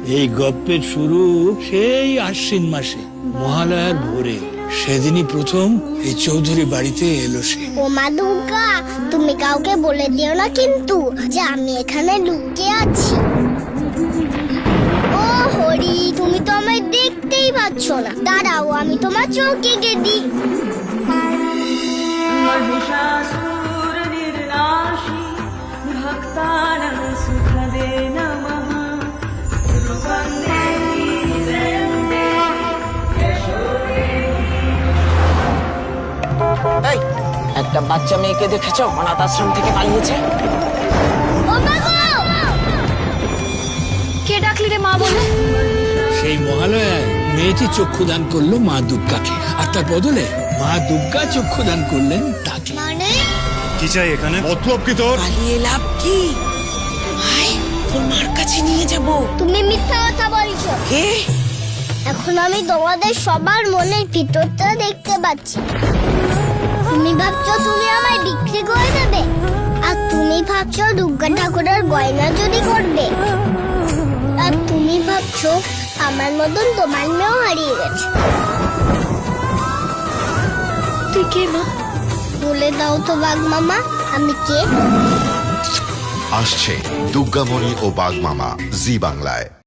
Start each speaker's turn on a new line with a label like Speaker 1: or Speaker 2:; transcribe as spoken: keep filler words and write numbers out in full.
Speaker 1: এই গপ্পের শুরু সেই আশ্বিন মাসে মহালয়ার ভোরে। সেদিনই প্রথম এই চৌধুরী বাড়িতে এলো সে।
Speaker 2: ও মা দুর্গা, তুমি কাউকে বলে দিও না কিন্তু যে আমি এখানে লুকিয়ে আছি। ও হরি, তুমি তো আমায় দেখতেই পাচ্ছ না। দাঁড়াও, আমি তোমার চোখে এঁকে দিই।
Speaker 3: महिषासुर निर्नाशी भक्तानां सुखदे नमः रूपं देवी त्र्यम्बके यशोदे।
Speaker 4: এই একটা বাচ্চা মেয়েকে দেখেছো অনাথ আশ্রম থেকে পালিয়েছে?
Speaker 2: ও মা গো!
Speaker 5: কে ডাকলি রে মা বলে?
Speaker 1: সেই মহালয়ায় মেয়েটি চক্ষুদান করলো মা দুর্গাকে, আর তার বদলে মা দুর্গা চক্ষুদান করলেন তাকে।
Speaker 2: মানে
Speaker 6: কি চাই এখানে? মতলব কি তোর?
Speaker 4: পালিয়ে লাভ কি? আয় তোর মার কাছে নিয়ে যাব।
Speaker 2: তুমি মিথ্যা কথা বলছো।
Speaker 4: কে?
Speaker 2: এখন আমি তোমাদের সবার মনের ভিতরটা দেখতে পাচ্ছি। তুমি ভাবছো তুমি আমায় বিক্রি করে দেবে, আর তুমি ভাবছো দুর্গা ঠাকুরের গয়না চুরি করবে, আর তুমি ভাবছো আমার মতন তোমার মেয়েও হারিয়ে গেছে।
Speaker 5: তুই কে মা?
Speaker 2: বলে দাও তো বাঘ মামা, আমি কে?
Speaker 7: আসছে দুর্গামণি ও বাঘ মামা জি বাংলায়।